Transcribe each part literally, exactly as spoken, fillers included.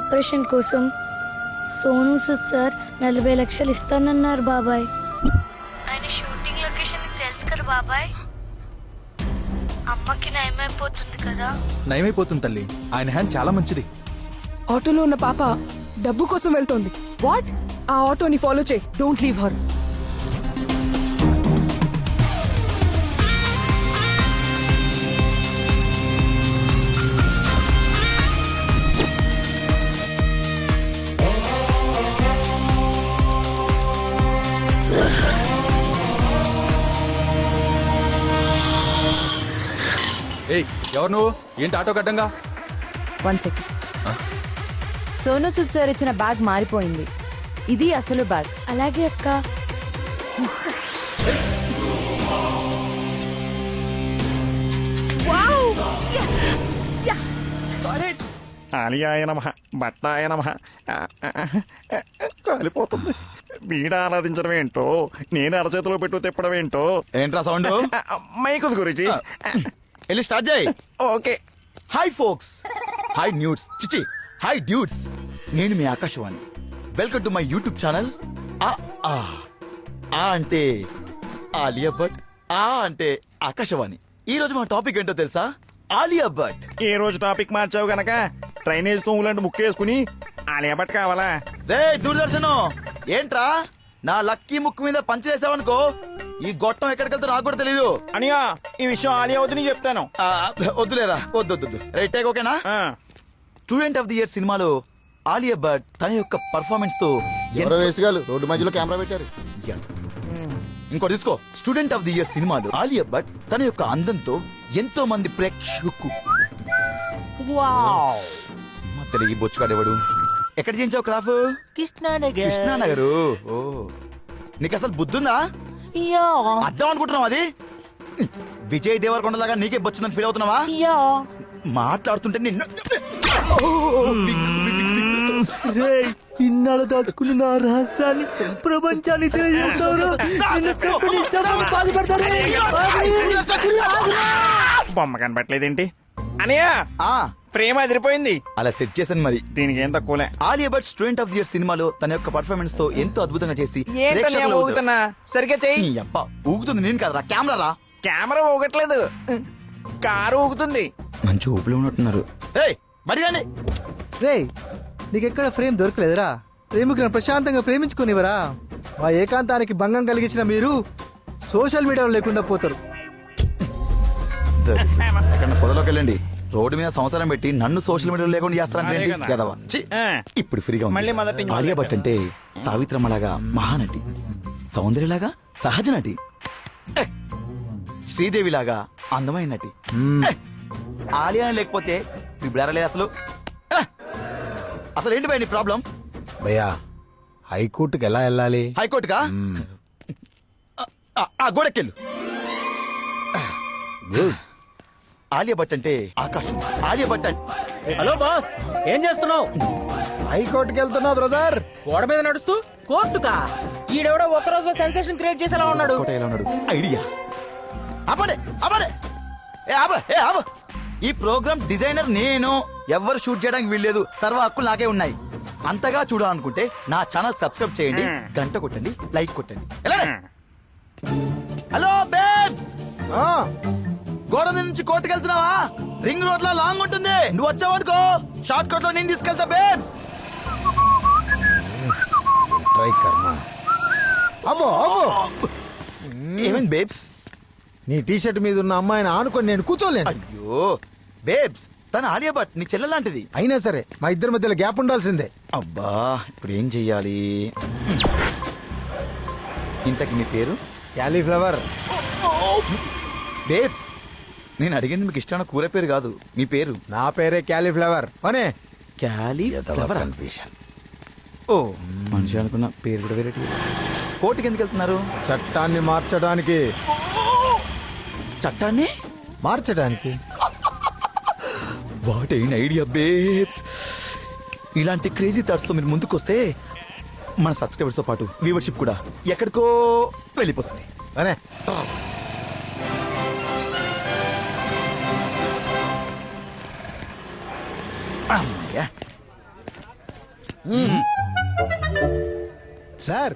Operation కోసం Sonu Sood sir నలభై లక్షలు ఇస్తానన్నారు బాబాయ్. ఆయన షూటింగ్ లొకేషన్ తెలుసు కదా బాబాయ్. అమ్మకి నయమైపోతుంది కదా. నయమైపోతుంది తల్లి, ఆయన హ్యాండ్ చాలా మంచిది. ఆటోలో ఉన్న పాప డబ్బు కోసం వెళ్తోంది. వాట్? ఆ ఆటోని ఫాలో చేయి. Don't leave her. ఏయ్, ఎవరు నువ్వు? ఏంటి ఆటో కట్టంగా? One second. Sonu Sood sir ఇచ్చిన బ్యాగ్ మారిపోయింది. ఇది అసలు బ్యాగ్. అలాగే అక్క. ఆలియాయ నమః, బట్టాయ నమః. కాలిపోతుంది. బీడ ఆరాధించడం ఏంటో, నేను అరచేతిలో పెట్టు తిప్పడం ఏంటో. ఏంట్రా సౌండ్? మైకుస్ గురించి వెళ్ళి స్టార్ట్ చేయి. Okay. Hi folks, hi nudes, చిచి హాయ్ డ్యూడ్స్. నేను మీ Akashvani. Welcome to my YouTube channel. ఆ ఆ ఆ అంటే ఆలియా భట్, ఆ అంటే ఆకాశవాణి. ఈ రోజు మన టాపిక్ ఏంటో తెలుసా? ఆలియా భట్. ఏ రోజు టాపిక్ మార్చావు గనక డ్రైనేజ్ తోములాంటి ముక్కేసుకుని ఆలియా భట్ కావాలా? రే దూరదర్శన్, ఏంట్రా నా లక్కీ ముక్కు మీద పంచలేసావనుకో ఈ గొట్టం ఎక్కడికి వెళ్తా నాకు కూడా తెలీదు. అనియా, ఈ విషయం ఆలియా వద్దు నీకు చెప్తాను. ఆ, వద్దులేరా, వద్దు వద్దు. రైట్ టేక్ ఓకేనా? స్టూడెంట్ ఆఫ్ ది ఇయర్ సినిమాలో ఆలియా భట్ తన యొక్క పర్ఫార్మెన్స్ తో రోడ్డు మధ్యలో కెమెరా పెట్టారు. ఇంకో తీసుకో. స్టూడెంట్ ఆఫ్ ది ఇయర్ సినిమాలో ఆలియా భట్ తన యొక్క అందంతో ఎంతో మంది ప్రేక్షకు మధ్యలో ఈ బొచ్చుగాడేవాడు. ఎక్కడ చేయించావు క్రాఫ్? కృష్ణానగర్. కృష్ణానగరు. ఓ, నీకు అసలు బుద్ధుందా? అర్థం అనుకుంటున్నావు అది? విజయ్ దేవరకొండ లాగా నీకే బొచ్చుందని ఫీల్ అవుతున్నావా? మాట్లాడుతుంటే నిన్ను ఇన్నాళ్ళు దాచుకున్న నా రహస్యాన్ని ప్రపంచాన్ని బొమ్మ కనబట్టలేదేంటి అనియా? ఆ ఫ్రేమ్ అదిరిపోయింది. అలా సెట్ చేశాను మరి. దీనికి ఏం తక్కువలే. Alia Bhatt student of the year సినిమాలో తన యొక్క పర్ఫార్మెన్స్ తో ఎంతో అద్భుతంగా చేసి ఏంటన్నా ఊగుతున్నా? సరిగ్గా చెయ్యి. నీ అబ్బా, ఊగుతుంది నేను కదరా, కెమెరా రా. కెమెరా ఊగట్లేదు, కారు ఊగుతుంది. మంచి ఊపిలో ఉన్నట్టున్నారు. ఏయ్, మరి రండి. రే, నీకెక్కడ ఫ్రేమ్ దొరకలేదురా? ప్రేమికులను ప్రశాంతంగా ప్రేమించుకునేవరా? మా ఏకాంతానికి భంగం కలిగించిన మీరు సోషల్ మీడియాలో లేకుండా పోతారు. ఎక్కడ పొదలోకి వెళ్ళండి. రోడ్డు మీద సంవత్సరం పెట్టి నన్ను సోషల్ మీడియాలో లేకుండా చేస్తారంటే గదవా. ఛీ, ఇప్పుడు ఫ్రీగా ఉంది. మళ్ళీ మొదటి నుంచి ఆలియా భట్ అంటే సావిత్రమ్మలాగా మహానటి, సౌందర్యలాగా సహజ నటి, ఏ, శ్రీదేవిలాగా అందమైన నటి. ఏ, ఆలియా లేకపోతే ఇప్పుడు అసలు ఏ, అసలు ఏంటి భయ నీ ప్రాబ్లం? భయ్యా, హైకోర్టుకి ఎలా వెళ్ళాలి? హైకోర్టుగా? ఆ గోడకెళ్ళు. ఆలియా భట్ అంటే ఆకాశం. ఆలియా భట్ అంటే హలో బాస్, ఏం చేస్తున్నావు? హైకోర్టుకి వెళ్తున్నా బ్రదర్. గోడ మీద నడుస్తూ కోర్టుకా? ఈడెవడో ఒక రోజు సెన్సేషన్ క్రియేట్ చేసేలా ఉన్నాడు. కోట ఎలా ఉన్నాడు? ఐడియా. ఆపండి, ఆపండి. ఏ ఆప, ఏ ఆప. ఈ ప్రోగ్రామ్ డిజైనర్ నేను. ఎవ్వరు షూట్ చేయడానికి వీల్లేదు. సర్వ హక్కులు నాకే ఉన్నాయి. అంతగా చూడాలనుకుంటే నా ఛానల్ సబ్స్క్రైబ్ చేయండి, గంట కొట్టండి, లైక్ కొట్టండి. హలో బేబ్స్, గోడ నుంచి కోర్టుకు వెళ్తున్నావా? రింగ్ రోడ్ లో లాంగ్ ఉంటుంది. నువ్వు వచ్చావనుకో షార్ట్ కట్ లో నేను తీసుకెళ్తా బేబ్స్. అమ్మో అమ్మో, ఏమేం బేబ్స్? నీ టీషర్ట్ మీద ఉన్న అమ్మాయిని ఆనుకొని నేను కూర్చోలేను. అయ్యో బేబ్స్, తన ఆలియా భట్ నీ చెల్లె లాంటిది. అయినా సరే మా ఇద్దరి మధ్యలో గ్యాప్ ఉండాల్సిందే. అబ్బా, ఇప్పుడు ఏం చెయ్యాలి? ఇంతకి నీ పేరు? క్యాలీఫ్లవర్. బేబ్స్, నేను అడిగింది మీకు ఇష్టమైన కూర పేరు కాదు, మీ పేరు. నా పేరే క్యాలీఫ్లవర్. అనే క్యాలీఫ్లవర్. ఓ, మనిషి అనుకున్న పేరు కూడా వేరే. కోర్టుకి ఎందుకు వెళ్తున్నారు? చట్టాన్ని మార్చడానికి. చట్టాన్ని మార్చడానికి? What an idea babes. ఇలాంటి క్రేజీ థాట్స్ తో మీరు ముందుకు వస్తే మన సబ్స్క్రైబర్స్ తో పాటు వ్యూవర్షిప్ కూడా ఎక్కడికో వెళ్ళిపోతుంది. అనే సార్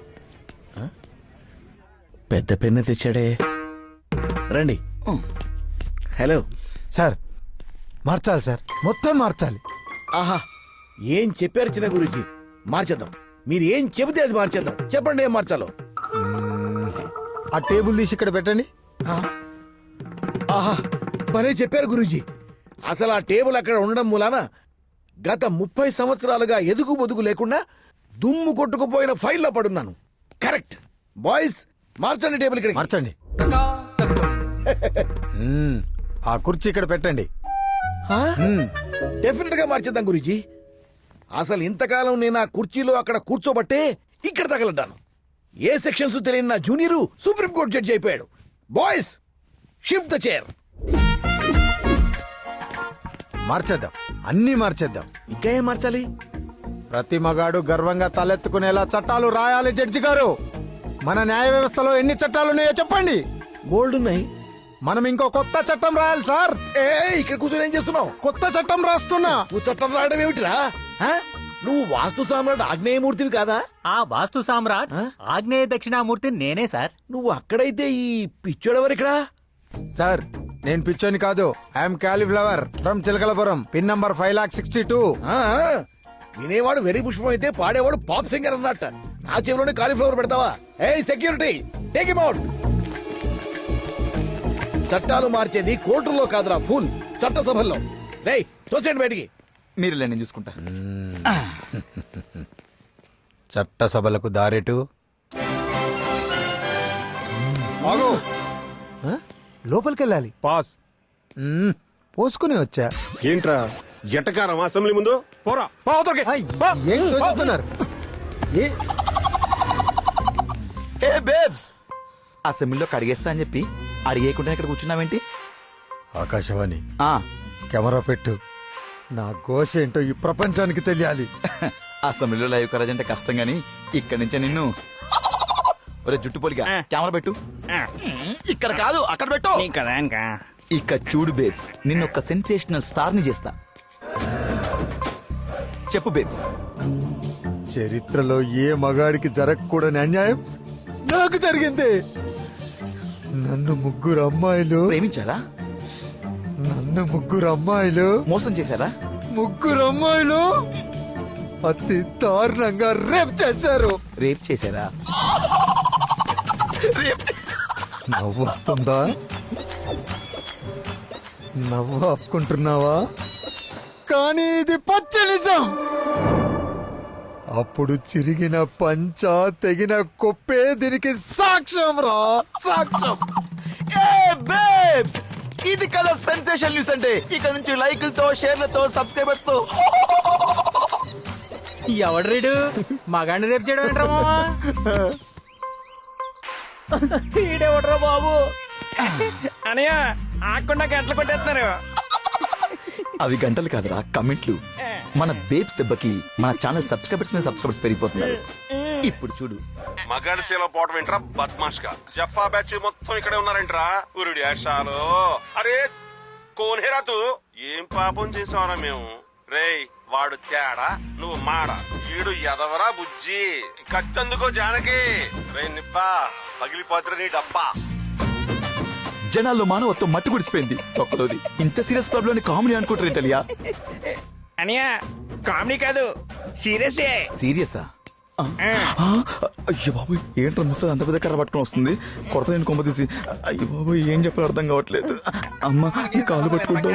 పెద్ద పెన్ను తెచ్చాడే రండి హలో సార్ మార్చాలి సార్, మొత్తం మార్చాలి. ఆహా ఏం చెప్పారు చిన్న గురుజీ, మార్చేద్దాం. మీరు ఏం చెబితే అది మార్చేద్దాం. చెప్పండి ఏం మార్చాలో. ఆ టేబుల్ తీసి ఇక్కడ పెట్టండి. ఆహా భలే చెప్పారు గురూజీ. అసలు ఆ టేబుల్ అక్కడ ఉండడం మూలాన గత ముప్పై సంవత్సరాలుగా ఎదుగు బొదుగు లేకుండా దుమ్ము కొట్టుకుపోయిన ఫైల్లో పడున్నాను. కరెక్ట్ బాయ్స్, మార్చండి టేబుల్ ఇక్కడ. మార్చండి. మ్మ్. ఆ కుర్చీ ఇక్కడ పెట్టండి. మ్మ్. డెఫినెట్ గా మార్చేద్దాం గురూజీ. అసలు ఇంతకాలం నేను ఆ కుర్చీలో అక్కడ కూర్చోబట్టే ఇక్కడ తగలడ్డాను. ఏ సెక్షన్స్ తెలియని నా జూనియరు సుప్రీంకోర్టు జడ్జి అయిపోయాడు. Boys shift the chair. మార్చేద్దాం, అన్నీ మార్చేద్దాం. ఇంకా ఏం మార్చాలి? ప్రతి మగాడు గర్వంగా తలెత్తుకునేలా చట్టాలు రాయాలి. జడ్జి గారు, మన న్యాయ వ్యవస్థలో ఎన్ని చట్టాలున్నాయో చెప్పండి. బోల్డ్ ఉన్నాయి. మనం ఇంకో కొత్త చట్టం రాయాలి సార్. ఏ ఇక్కడ కూర్చొని ఏం చేస్తున్నావు? కొత్త చట్టం రాస్తున్నా. నువ్వు చట్టం రాయడం ఏమిటిరా? ఆ? నువ్వు వాస్తు సామ్రాట్ ఆగ్నేయమూర్తివి కాదా? ఆ వాస్తు సామ్రాట్ ఆ? ఆగ్నేయ దక్షిణామూర్తి నేనే సార్. నువ్వు అక్కడైతే ఈ పిచ్చోడెవరు ఇక్కడ? సార్ నేను పిచ్చోని కాదు, I'm cauliflower from Chilakalapuram, pin number five lakh sixty two. ఆ, వినేవాడు వెరీ పుష్పం అయితే పాడేవాడు పాప్ సింగర్ అన్నట్ట. నా చెవిలోనే కాలీఫ్లవర్ పెడతావా? ఏ సెక్యూరిటీ, టేక్ హిమ్ అవుట్. చట్టాలు మార్చేది కోర్టుల్లో కాదురా, ఫుల్ చట్టసభల్లో. రేయ్ తోసేయండి బయటికి. మీరు నేను చూసుకుంటా. చట్టసభలకు దారేటు. ఆగు. ఆ? లోపలికెళ్ళాలి. పాస్. మ్మ్. పోసుకుని వచ్చా. ఏంట్రా జటకారం అసెంబ్లీ ముందు పోరా. ఐ, ఏం తోచుతున్నారు? ఏ ఏ బేబ్స్, అసెంబ్లీలో కడిగేస్తా అని చెప్పి అడిగేయకుండా ఇక్కడ కూర్చున్నావేంటి? ఆకాశవాణి ఆ, కెమెరా పెట్టు. నా ఘోష ఏంటో ఈ ప్రపంచానికి తెలియాలి. అసెంబ్లీలో లైవ్ కరాజ్ అంటే కష్టం గానీ ఇక్కడి నుంచే నిన్ను ఒరే జుట్టు పోలిగా కెమెరా పెట్టు. ఇక్కడ కాదు, అక్కడ పెట్టు. కదా ఇంకా ఇక చూడు బేబ్స్, నిన్ను ఒక సెన్సేషనల్ స్టార్ ని చేస్తా. చెప్పు బేబ్స్. చరిత్రలో ఏ మగాడికి జరగకూడని అన్యాయం నాకు జరిగింది. నన్ను ముగ్గురు అమ్మాయిలు ప్రేమించారా? నన్ను ముగ్గురు అమ్మాయిలు మోసం చేశారా? ముగ్గురు అమ్మాయిలు అతి దారుణంగా రేప్ చేశారు. రేప్ చేశారా? నవ్వు వస్తుందా? నవ్వు ఆపుకుంటున్నావా? కానీ ఇది పచ్చ నిజం. అప్పుడు చిరిగిన పంచ, తెగిన కొప్పే దీనికి సాక్ష్యం రా, సాక్ష్యం. ఏ బేబ్స్, ఇది కదా సెన్సేషన్ న్యూస్ అంటే. ఇక్కడ నుంచి లైకులతో, షేర్లతో, సబ్స్క్రైబర్స్ తో. ఎవడు రీడు మగాడిని రేపు చేయడం ఏంట్రా? ఈడెవడ్రా బాబు? అనయ్య ఆకుండా గంటలు కొట్టేస్తున్నారు. అవి గంటలు కాదురా, కమెంట్లు. మన బేబ్స్ దెబ్బకి మన ఛానల్ సబ్స్క్రైబర్స్ మీద సబ్స్క్రైబర్స్ పెరిగిపోతున్నారు. ఇప్పుడు చూడు. మగాడి సేలో పోవటం ఏంట్రా బద్మాష్ గా. జఫా బ్యాచ్ మొత్తం ఇక్కడే ఉన్నారంట్రా. ఉరుడి ఆశాలు. అరే కోనేరా తూ ఏం పాపం చేసావరా మేము. రేయ్ వాడు తేడా, నువ్వు మాడ. వీడు ఎదవరా బుజ్జి. కత్తందుకో జానకి. రే నిబ్బా పగిలిపోతురా నీ డబ్బా. జనాల్లో మానవత్వం మట్టి గుడిసిపోయింది. ఒక్కలోది ఇంత సీరియస్ క్లబ్ లోని కామెడీ అనుకుంటారు ఏంటలియా? అనయ్య కామెడీ కాదు, సీరియసే. సీరియసా? అయ్యో బాబు, ఏంటో ముసలి అంత పెద్ద కర్ర పట్టుకుని వస్తుంది. కొరత నేను కొమ్మ తీసి. అయ్యో బాబు, ఏం చెప్పాలో అర్థం కావట్లేదు. అమ్మ, ఈ కాలు పట్టుకుంటా.